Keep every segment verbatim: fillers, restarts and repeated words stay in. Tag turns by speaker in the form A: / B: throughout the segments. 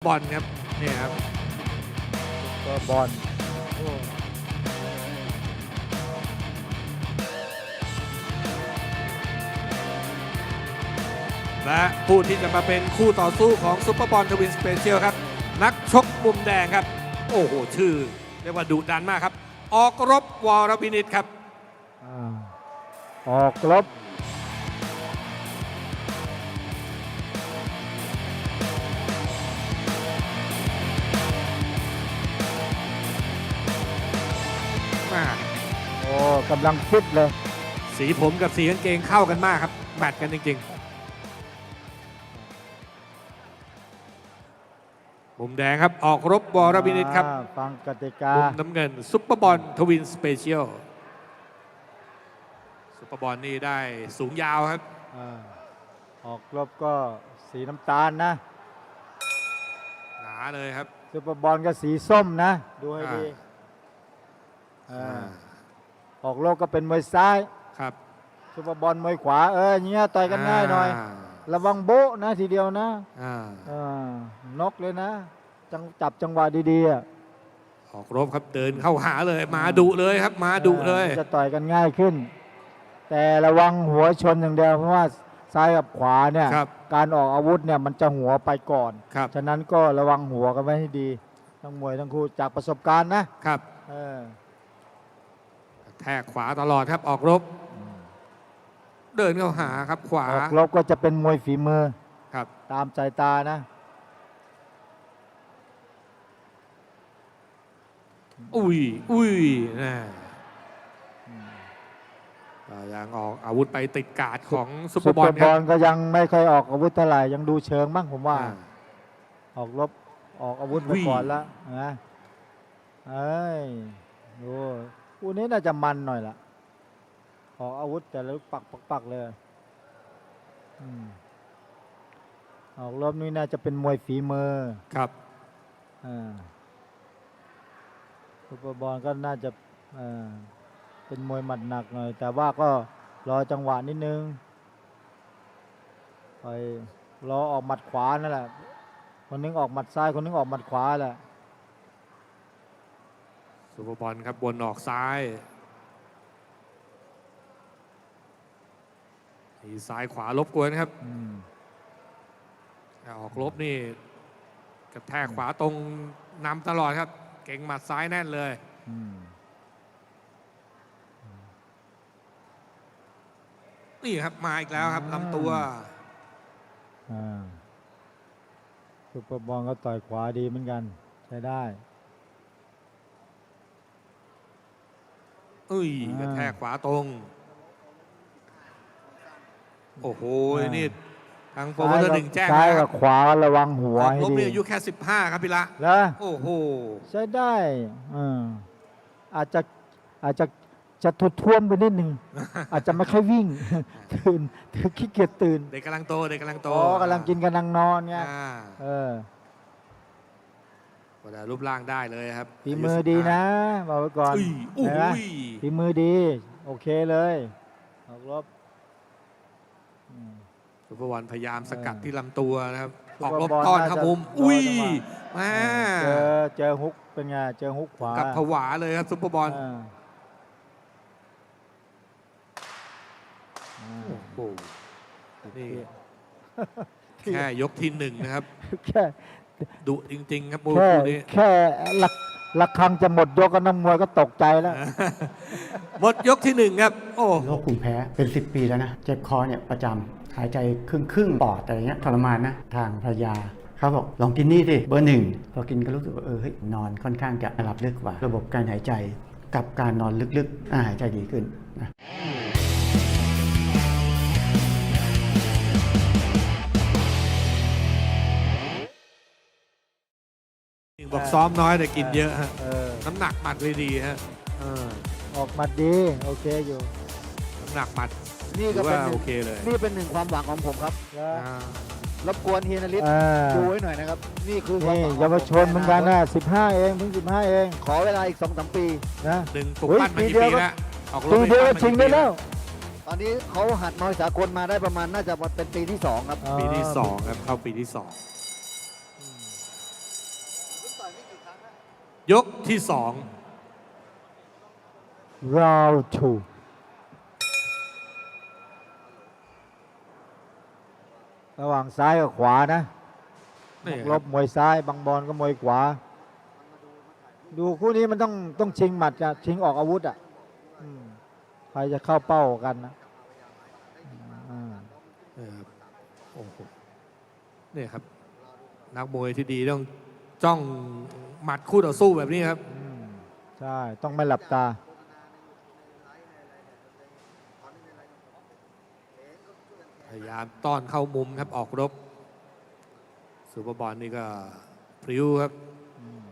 A: บอลครับเนี่ยครับ
B: ซุปเปอร์บอลโอ้
A: และผู้ที่จะมาเป็นคู่ต่อสู้ของซุปเปอร์บอลทวินสเปเชียลครับนักชกมุมแดงครับโอ้โหชื่อเรียกว่าดุดันมากครับออกรบวรวินิตครับ
B: อ่าออกลบ
A: มา
B: โอ้กำลังฟิตเลย
A: สีผมกับสีกางเกงเข้ากันมากครับแมทกันจริงๆมุมแดงครับออกรบวรวินิตครับ
B: อ่าฟังกติกา
A: มุมน้ำเงินซุปเปอร์บอลทวินสเปเชียลซุปเปอร์บอลนี่ได้สูงยาวครับ
B: อาออกลบก็สีน้ำตาลนะ
A: หนาเลยครับ
B: ซุปเปอร์บอลก็สีส้มนะ ดูให้ดีอ่าออกลบก็เป็นมวยซ้าย
A: ครับ
B: ซุปเปอร์บอลมวยขวาเอออย่างเงี้ยต่อยกันง่ายหน่อย ระวังโบ๊ะนะทีเดียวนะ
A: อ่า
B: อ่านกเลยนะจังจับจังหวะดีๆอ่ะ
A: ออกรบครับเดินเข้าหาเลยมาดุเลยครับมาดุเลย
B: จะต่อยกันง่ายขึ้น แต่ระวังหัวชนอย่างเดียวเพราะว่าซ้ายกับขวาเนี่ย
A: ครับ
B: การออกอาวุธเนี่ยมันจะหัวไปก่อน
A: ครับ
B: ฉะนั้นก็ระวังหัวกันไว้ให้ดีทั้งมวยทั้งคู่จากประสบการณ์นะครับ เออ
A: แทกขวาตลอดครับออกรบ เดินเข้าหาครับขวา
B: ออกลบก็จะเป็นมวยฝีมือ
A: ครับ
B: ตามสายตานะ
A: อุ้ยอุ้ยนะก็ยังออกอาวุธไปติดการ์ดของซุปเปอ
B: ซุ
A: ร์
B: ป
A: บอ
B: เป
A: ล
B: อร์
A: ค
B: บ
A: รั
B: อบ ลก็ยังไม่ค่อยออกอาวุธเท่าไหร่ยังดูเชิงบ้างผมว่า
A: อ่า
B: ออกลบออกอาวุธไป
A: อุ้ย
B: ก่อนแล้วนะเอ้ยดูคู่นี้น่าจะมันหน่อยละออกอาวุธแต่ละลูกปักปักปักเลยอืมออกลบนี่น่าจะเป็นมวยฝีมือ
A: ครับ
B: อ่าซุปเปอร์บอลก็น่าจะอ่าเป็นมวยหมัดหนักหน่อย แต่ว่าก็รอจังหวะนิดนึงไปรอออกหมัดขวานั่นแหละคนนึงออกหมัดซ้ายคนนึงออกหมัดขวาแหละ
A: ซุปเปอร์บอลครับวนออกซ้ายทีซ้ายขวาลบกวนครับ
B: อืม
A: ออกลบนี่กระแทกขวาตรงนำตลอดครับ เก่งหมัดซ้ายแน่นเลย
B: อืม
A: นี่ครับมาอีกแล้วครับลำตัว
B: อ่าซุปเปอร์บอลก็ต่อยขวาดีเหมือนกัน ใช้ได้
A: อุ้ย
B: อ่าก
A: ระแทกขวาตรง โอ้โห
B: อ่านี่
A: นี่ทางโปรโมเตอร์หนึ่งแจ้ง
B: ซ้าย
A: นะค
B: กั
A: รั
B: บบ ขวาระวังหัว
A: ออก
B: ให้
A: ลบ
B: ดี
A: เนี่ยอายุแค่สิบห้าครับพี่ละ
B: แล้ว
A: โอ้โห
B: ใช้ได้อ่าอาจจะอาจจะจะทุท่วมไปนิดหนึ่ง อาจจะไม่ค่อยวิ่ง ตื่นขี้เกียจตื่น
A: เด็กกำลังโตเด็กกำลังโต
B: อ๋อกำลังกินกำลังนอนไง
A: อ่า
B: เออ
A: แต่รูปร่างได้เลยครับ
B: ฝีมือดีนะบอกไว้ก่อน
A: อุ้ยอุ้
B: เห็นไหม
A: ย
B: ฝีมือดี โอเคเลยออกรบอืม
A: ซุปเปอร์บอลพยายามสกัด
B: เออ
A: ที่ลำตัวนะครับ
B: ซุ
A: อ
B: ป
A: อก
B: เปอร์
A: ลบบ
B: อล
A: ต้อน
B: น่า
A: ครับ
B: จะ
A: ผม
B: รอ
A: อุ้ย
B: จังหวะ
A: มา
B: เจอเจอฮุกเป็นไงเจอฮุกขวา
A: กับผวาเลยครับซุปเปอร์บอล
B: อ่าอ่า
A: โอ้โหนี่แค่ยกที่หนึ่งนะครับ
B: แค่
A: ดุจริง ๆ ครับมวย
B: แค่
A: คู่นี้
B: แค่ลักลักครังจะหมดยกก็น้ำมวยก็ตกใจแล้ว
A: หมดยกที่หนึ่งครับ โอ้
C: โรคภูมิแพ้เป็น สิบ ปีแล้วนะ เจ็บคอเนี่ยประจำหายใจครึ่งครึ่งๆปอดอะไรเงี้ยทรมานนะ ทางภรรยาเขาบอกลองกินนี่สิเบอร์หนึ่งพอกินก็รู้สึกว่าเออเฮ้ยนอนค่อนข้างจะหลับลึกกว่า ระบบการหายใจกับการนอนลึกๆอ่าหายใจดีขึ้นนะ
A: บอกซ้อมน้อยแต่กินเยอะฮะ
B: เออ
A: น้ำหนักหมัดเลยดีฮะเออ
B: ออกมาดีโอเคอยู่
A: น้ำหนักหมัด
D: นี่
A: ถื
D: ก็
A: อ
D: เป็น
A: ว่า
D: หนึ่
A: โอง เคเลย
D: นี่เป็นหนึ่งความหวังของผมครับ
B: แล้ว
A: อ่า
D: รบกวนเฮียนฤทธิ์
B: อ่า
D: ดูไว้หน่อยนะครับ นี่คือความ
B: นี่
D: หวังของ
B: เยาวชนเหมือนกันนะสิบห้าเองเพิ่งสิบห้าเอง
D: ขอเวลาอีกสองสามปี
B: นะ
A: ดึงปลุก
B: เฮ้ย
A: ปั้นมา
B: ปี
A: กี่
B: เดียว
A: ปี
B: ก็
A: แล้วออกร
B: ปี
A: ถ
B: เดียว
A: ป
B: ก็
A: ปั้นมา
B: ชิง
A: กี่
B: ได้
A: ปี
B: แล้ว
D: ตอนนี้เขาหัดมวยสากลมาได้ประมาณน่าจะเป็นปีที่สองครับ
A: ปีที่สองครับเข้าปีที่สองยกที่สอง
B: round two ระหว่างซ้ายกับขวานะ
A: นี่
B: ล
A: ครับ
B: บมวยซ้ายบางบอลก็มวยขวา ดูคู่นี้มันต้องต้องชิงหมัดจะชิงออกอาวุธอ่ะอืมใครจะเข้าเป้ากันนะอืม
A: นี่ครับโอ้โหนี่ครับ นักมวยที่ดีต้องจ้องหมัดคู่ต่อสู้แบบนี้ครับ
B: อืมใช่ ต้องไม่หลับตา
A: พยายามต้อนเข้ามุมครับออกรบซูเปอร์บอลนี่ก็พริ้วครับ
B: อืม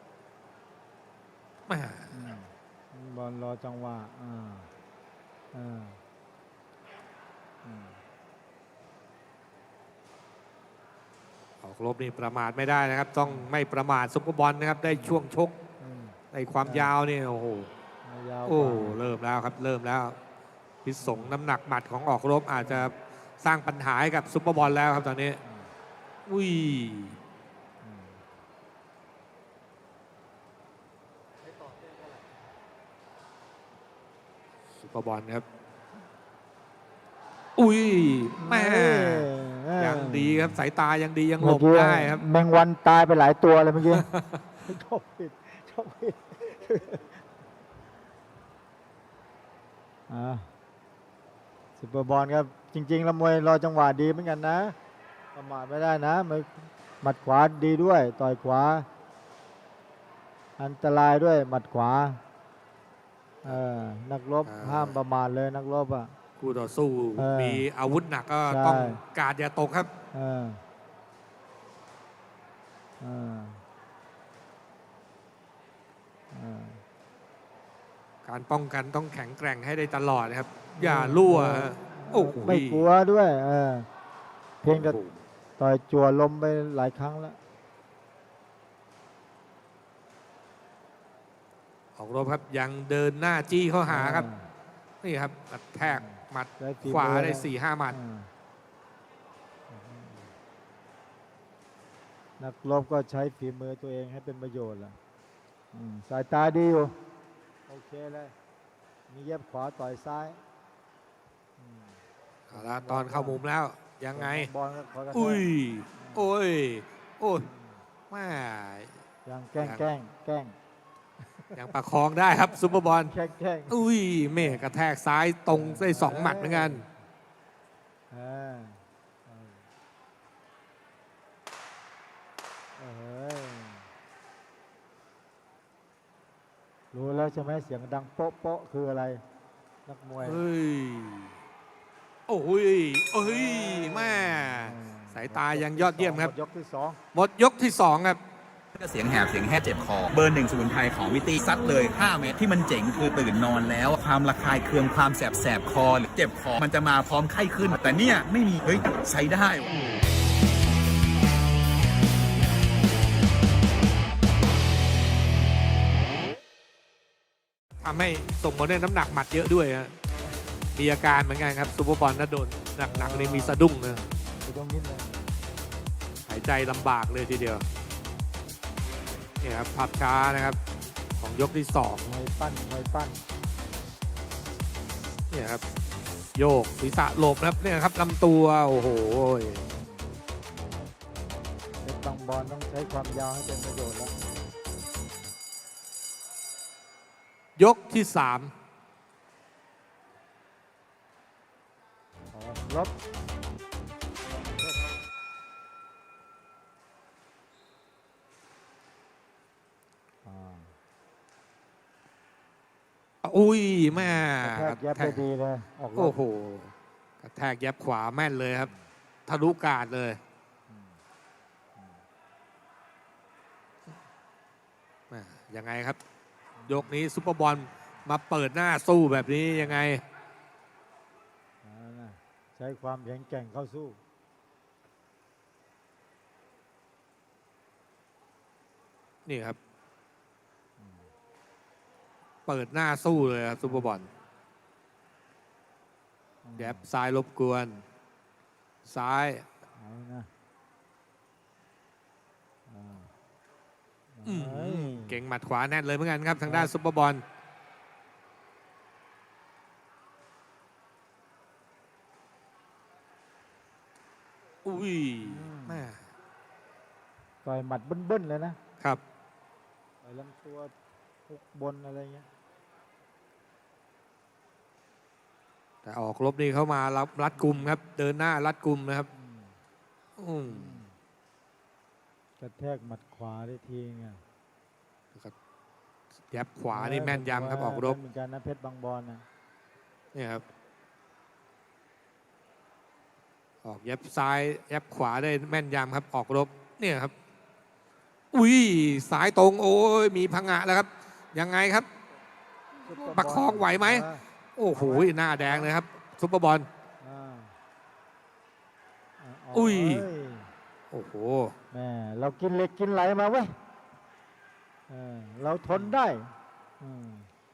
A: แหม่
B: อืมบอลรอจังหวะอ่าอ่าอืม
A: ออกรบนี่ประมาทไม่ได้นะครับ ต้องไม่ประมาทซูเปอร์บอลนะครับ ได้ช่วงชก
B: อืม
A: ในความยาวนี่โอ้โห
B: ยาวก
A: โอ้
B: ว่า
A: เริ่มแล้วครับ เริ่มแล้ว พิษสงน้ำหนักหมัดของออกรบอาจจะสร้างปัญหาให้กับซุปเปอร์บอลแล้วครับตอนนี้ อุ้ย
B: อืม
A: ซุปเปอร์บอลครับ อุ้ยแม่
B: เอ้ย
A: ยังดีครับ สายตายังดียังหล
B: เมื่อบ กี้
A: ได้ครับ
B: แมงวันตายไปหลายตัวเลยเมื่อกี้ ชอบผิดชอบผิดอ่าซุปเปอร์บอลครับ จริง ๆ แล้วมวยรอจังหวะดีเหมือนกันนะประมาทไม่ได้นะมวยหมัดขวาดีด้วย ต่อยขวา อันตรายด้วยหมัดขวาเออนักรบ
A: อ่า
B: ห้ามประมาทเลยนักรบอ่ะ
A: คู่ต่อสู้
B: เออ
A: มีอาวุธหนักก็
B: ใช่
A: ต้องการอย่าตกครับ
B: เออเออเออ
A: การป้องกันต้องแข็งแกร่งให้ได้ตลอดนะครับ อย่ารั่วฮะโอ้โห
B: ไม่กลัวด้วยเออเพียงแต่ต่อยจั่วลมไปหลายครั้งแล้ว
A: ออกรบครับยังเดินหน้าจี้เข้าหาครับ นี่ครับกระแทกหมัด
B: ได้ฝี
A: ขวา
B: มือ
A: ได้
B: นะ
A: สี่ห้าหมัด
B: อ่านักรบก็ใช้ฝีมือตัวเองให้เป็นประโยชน์ล่ะอืมสายตาดีอยู่ โอเคเลย มีเย็บขวาต่อยซ้ายอืม
A: เอาละตอนเข้ามุมแล้วยังไง
B: บอลก็ขอกระแทก
A: อุ้ย โอ้ย โอ้ยแม่
B: ยังแกล้งแกล้งแกล้ง
A: ยังประคองได้ครับซุปเปอร์บอล
B: แกล้งแกล้ง
A: อุ้ยเมฆกระแทกซ้ายตรงได้สองหมัดเหมือนกัน
B: เออเออเออรู้แล้วใช่ไหมเสียงดังโป๊ะโป๊ะคืออะไร นักมวย
A: เฮ้ย โอ้ยเอ้ยแม่สายตายังยอดเยี่ยมครับ
B: หดยกที่สอง
A: หมดยกที่สองครับ
E: เสียงแหบเสียงแห้เจ็บคอ เบอร์หนึ่งสมุนไพรของวิตี้ซัดเลยห้าเม็ดที่มันเจ๋งคือตื่นนอนแล้ว ความระคายเคืองความแสบแสบคอหรือเจ็บคอ มันจะมาพร้อมไข้ขึ้น แต่เนี่ยไม่มี เฮ้ย ใช้ได้
A: ทำให้ส่งผลในน้ำหนักหมัดเยอะด้วยฮะมีอาการเหมือนกันครับซูเปอร์บอลถ้าโดนหนักๆนี่มีสะดุ้งนะ
B: ไปตรงนี้เลย
A: หายใจลำบากเลยทีเดียวนี่ครับภาพช้านะครับ ของยกที่สอง
B: มวยปั้นมวยปั้น
A: เนี่ยครับ โยกศีรษะหลบนะครับเนี่ยครับลำตัว โอ้โห
B: เป็นบางบอลต้องใช้ความยาวให้เป็นประโยชน์แล้ว
A: ยกที่สาม
B: ออกลบอ่า
A: อุ้ยแม่
B: กระแทกแยบไปดีเลย ออกล
A: โอ้
B: บ
A: โหกระแทกแยบขวาแม่นเลยครับทะลุกาดเลยแม่ยังไงครับ ยกนี้ซุปเปอร์บอลมาเปิดหน้าสู้แบบนี้ยังไง
B: เอานะใช้ความแข็งแกร่งเข้าสู้
A: นี่ครับ เปิดหน้าสู้เลยครับซุปเปอร์บอลแยบซ้ายรบกวน ซ้าย
B: เอานะอ่าอ่า
A: อืม
B: เฮ้ย
A: เก่งหมัดขวาแน่นเลยเหมือนกันครับทางด้านซุปเปอร์บอลอุ้ยแม่
B: ต่อยหมัดเบิ้ลๆเลยนะครับ ต่อยลำตัวทุกบนอะไรเงี้ย
A: แต่ออกรบนี่เข้ามารับรัดกุมครับ เดินหน้ารัดกุมนะครับ
B: อืม
A: อืม
B: กระแทกหมัดขวาได้ทีไง
A: ยับขวานี่แม่นยำครับออกรบ
B: เหมือนกันนะเพชรบางบอนนะ
A: เนี่ยครับออกยับซ้ายยับขวาได้แม่นยำครับออกรบเนี่ยครับอุ้ยสายตรงโอ้ยมีพังงะแล้วครับยังไงครับ
B: ซุปเปอร์
A: ประคองไหวไหม
B: เออ
A: โอ้โหหน้าแดงเลยครับซุปเปอร์บอล
B: อ่าอ่า
A: อุ้ย
B: เ
A: โอ้โห
B: แม่เรากินเหล็กกินไหลมาเว้ยเออเราทนได้อืม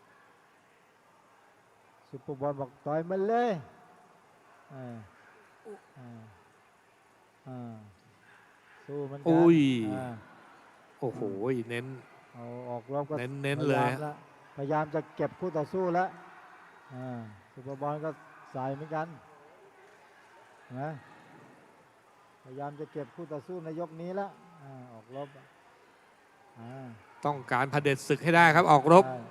B: ซุปเปอร์บอลบอกต่อยมันเลยเออเออเออสู้มันกัน
A: อุ้ย
B: อ่า
A: โอ้โหเน้น
B: เอาออกรบก็
A: เน้นเน้นเลย
B: พยายามละพยายามจะเก็บคู่ต่อสู้แล้วอ่าซุปเปอร์บอลก็สายเหมือนกันนะพยายามจะเก็บคู่ต่อสู้ในยกนี้แล้วอ่าออกรบอ่า
A: ต้องการเผด็จศึกให้ได้ครับออกรบ
B: ใช่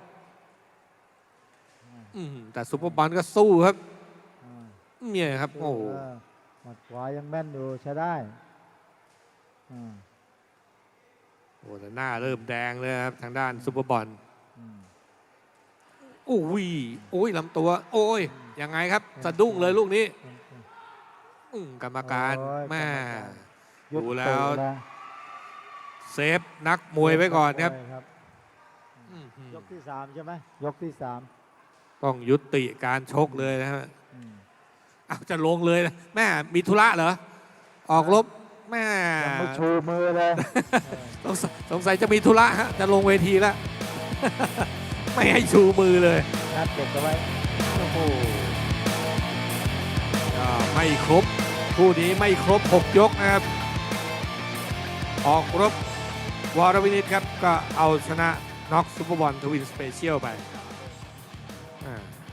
A: อืมแต่ซุปเปอร์บอลก็สู้ครับ
B: อ่า
A: เนี่ยครับโอ้โห
B: เหมัดขวายังแม่นอยู่ใช้ได้อ่า
A: โอ้แต่หน้าเริ่มแดงเลยครับทางด้านซุปเปอร์บอล
B: อืม
A: โอ้ยโอ้ยลำตัว โอ้ยยังไงครับสะดุ้งเลยลูกนี้
B: อืมอืม
A: อืมกรรมการ
B: โอ้ย
A: แม่
B: กรรมการ ยุด
A: ดูแล้ว
B: เตะนะ
A: เซฟนักมวยไว้ก่อนครับ
B: มวยครับ
A: อืม
B: ยกที่สามใช่ไหมยกที่สาม
A: ต้องยุติการชกเลยนะฮะ
B: อืม
A: อ้าวจะลงเลยนะแม่มีธุระเหรอออกรบแม่
B: ยังไม่ชูมือเลยเออ
A: สงสัยสงสัยจะมีธุระฮะจะลงเวทีแล้ว ไม่ให้ชูมือเลย
B: นัดเก็บเอาไว้
A: โอ้โหก็ไม่ครบคู่นี้ไม่ครบหกยกนะครับ ออกรบวรวินิตครับ ก็เอาชนะน็อกซุปเปอร์บอลทวินสเปเชียลไป